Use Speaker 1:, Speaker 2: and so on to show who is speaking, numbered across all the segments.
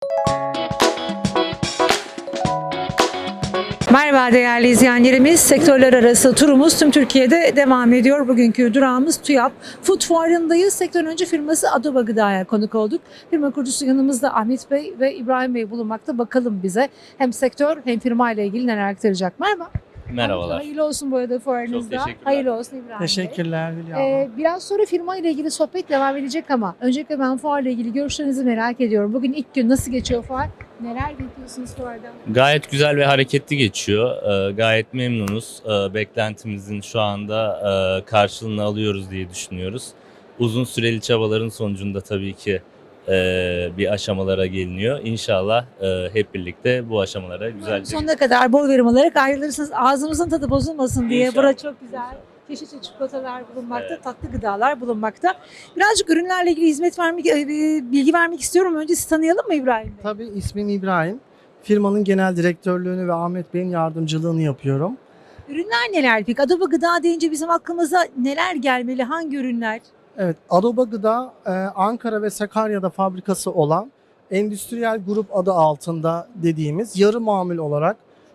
Speaker 1: Merhaba değerli izleyenlerimiz. Sektörler arası turumuz tüm Türkiye'de devam ediyor. Bugünkü durağımız TÜYAP. Food Fuarı'ndayız. Sektörün öncü firması Adoba Gıda'ya konuk olduk. Firma kurucusu yanımızda Ahmet Bey ve İbrahim Bey bulunmakta. Bakalım bize hem sektör hem firma ile ilgili neler aktaracak. Merhaba.
Speaker 2: Merhabalar.
Speaker 1: Hayırlı olsun bu arada fuarınızda.
Speaker 2: Çok teşekkürler.
Speaker 1: Hayırlı olsun İbrahim Bey.
Speaker 3: Teşekkürler Hülya Hanım.
Speaker 1: Biraz sonra firma ile ilgili sohbet devam edecek ama öncelikle ben fuarla ilgili görüşlerinizi merak ediyorum. Bugün ilk gün nasıl geçiyor fuar? Neler bekliyorsunuz fuardan?
Speaker 2: Gayet güzel ve hareketli geçiyor. Gayet memnunuz. Beklentimizin şu anda karşılığını alıyoruz diye düşünüyoruz. Uzun süreli çabaların sonucunda tabii ki bir aşamalara geliniyor. İnşallah hep birlikte bu aşamalara güzelce
Speaker 1: Sonuna kadar bol verim alarak ayrılırsınız. Ağzımızın tadı bozulmasın diye.
Speaker 2: İnşallah.
Speaker 1: Burada çok güzel çeşitli çikolatalar bulunmakta,
Speaker 2: Evet.
Speaker 1: tatlı gıdalar bulunmakta. Birazcık ürünlerle ilgili bilgi vermek istiyorum. Önce sizi tanıyalım mı İbrahim Bey?
Speaker 3: Tabii ismim İbrahim. Firmanın genel direktörlüğünü ve Ahmet Bey'in yardımcılığını yapıyorum.
Speaker 1: Ürünler neler peki? Adobe Gıda deyince bizim aklımıza neler gelmeli? Hangi ürünler?
Speaker 3: Evet, Adoba Gıda Ankara ve Sakarya'da fabrikası olan Endüstriyel Grup adı altında dediğimiz yarı mamul olarak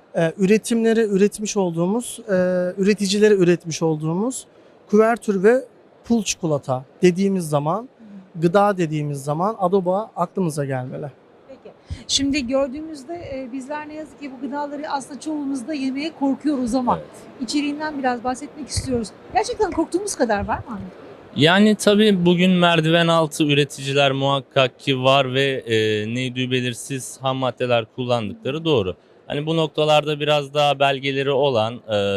Speaker 3: üreticilere üretmiş olduğumuz kuvertür ve pul çikolata dediğimiz zaman, gıda dediğimiz zaman Adoba aklımıza gelmeli.
Speaker 1: Peki. Şimdi gördüğümüzde bizler ne yazık ki bu gıdaları aslında çoğumuz da yemeye korkuyoruz ama
Speaker 2: Evet.
Speaker 1: içeriğinden biraz bahsetmek istiyoruz. Gerçekten korktuğumuz kadar var mı Ahmet Bey?
Speaker 2: Yani tabii bugün merdiven altı üreticiler muhakkak ki var ve neydi belirsiz ham maddeler kullandıkları doğru. Hani bu noktalarda biraz daha belgeleri olan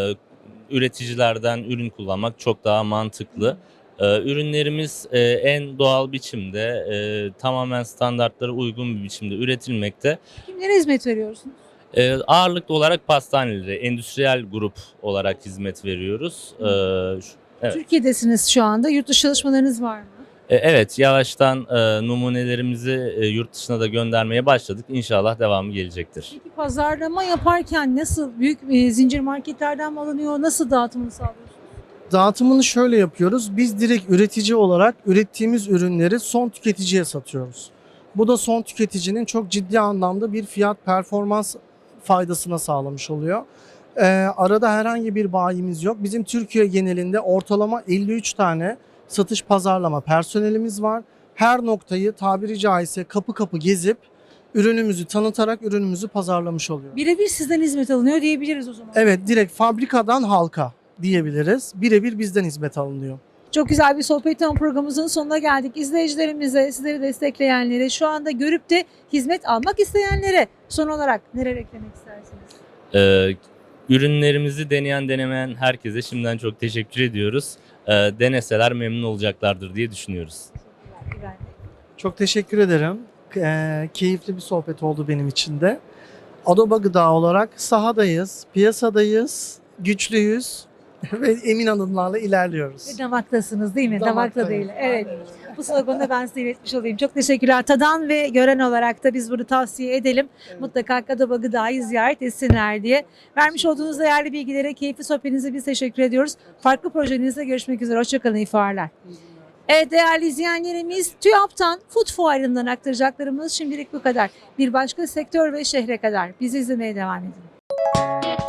Speaker 2: üreticilerden ürün kullanmak çok daha mantıklı. Ürünlerimiz en doğal biçimde, tamamen standartlara uygun bir biçimde üretilmekte.
Speaker 1: Kimlere hizmet veriyorsunuz?
Speaker 2: Ağırlıklı olarak pastanelere, endüstriyel grup olarak hizmet veriyoruz. Evet.
Speaker 1: Türkiye'desiniz şu anda. Yurt dışı çalışmalarınız var mı?
Speaker 2: Evet, yavaştan numunelerimizi yurt dışına da göndermeye başladık. İnşallah devamı gelecektir.
Speaker 1: Peki pazarlama yaparken nasıl büyük zincir marketlerden mi alınıyor? Nasıl dağıtımını sağlıyorsunuz?
Speaker 3: Dağıtımını şöyle yapıyoruz. Biz direkt üretici olarak ürettiğimiz ürünleri son tüketiciye satıyoruz. Bu da son tüketicinin çok ciddi anlamda bir fiyat performans faydasına sağlamış oluyor. Arada herhangi bir bayimiz yok. Bizim Türkiye genelinde ortalama 53 tane satış pazarlama personelimiz var. Her noktayı tabiri caizse kapı kapı gezip ürünümüzü tanıtarak ürünümüzü pazarlamış oluyor.
Speaker 1: Birebir sizden hizmet alınıyor diyebiliriz o zaman.
Speaker 3: Evet, direkt fabrikadan halka diyebiliriz. Birebir bizden hizmet alınıyor.
Speaker 1: Çok güzel bir sohbet programımızın sonuna geldik. İzleyicilerimize, sizleri destekleyenlere, şu anda görüp de hizmet almak isteyenlere son olarak neler eklemek istersiniz?
Speaker 2: Ürünlerimizi deneyen denemeyen herkese şimdiden çok teşekkür ediyoruz. Deneseler memnun olacaklardır diye düşünüyoruz.
Speaker 1: Teşekkürler İbrahim Bey.
Speaker 3: Çok teşekkür ederim. Keyifli bir sohbet oldu benim için de. Adoba Gıda olarak sahadayız, piyasadayız, güçlüyüz ve emin adımlarla ilerliyoruz.
Speaker 1: Ve damaktasınız değil mi? Damakta
Speaker 3: Damaktayız.
Speaker 1: değil. Evet.
Speaker 3: Aynen.
Speaker 1: Bu sloganı da ben size iletmiş olayım. Çok teşekkürler. Tadan ve gören olarak da biz bunu tavsiye edelim.
Speaker 3: Evet.
Speaker 1: Mutlaka Adoba Gıda'yı ziyaret etsinler diye. Vermiş olduğunuz değerli bilgilere, keyifli sohbetinize biz teşekkür ediyoruz. Farklı projenizde görüşmek üzere. Hoşçakalın, iyi fuarlar. Evet değerli izleyenlerimiz, TÜYAP'tan Food Fuarı'ndan aktaracaklarımız şimdilik bu kadar. Bir başka sektör ve şehre kadar bizi izlemeye devam edin.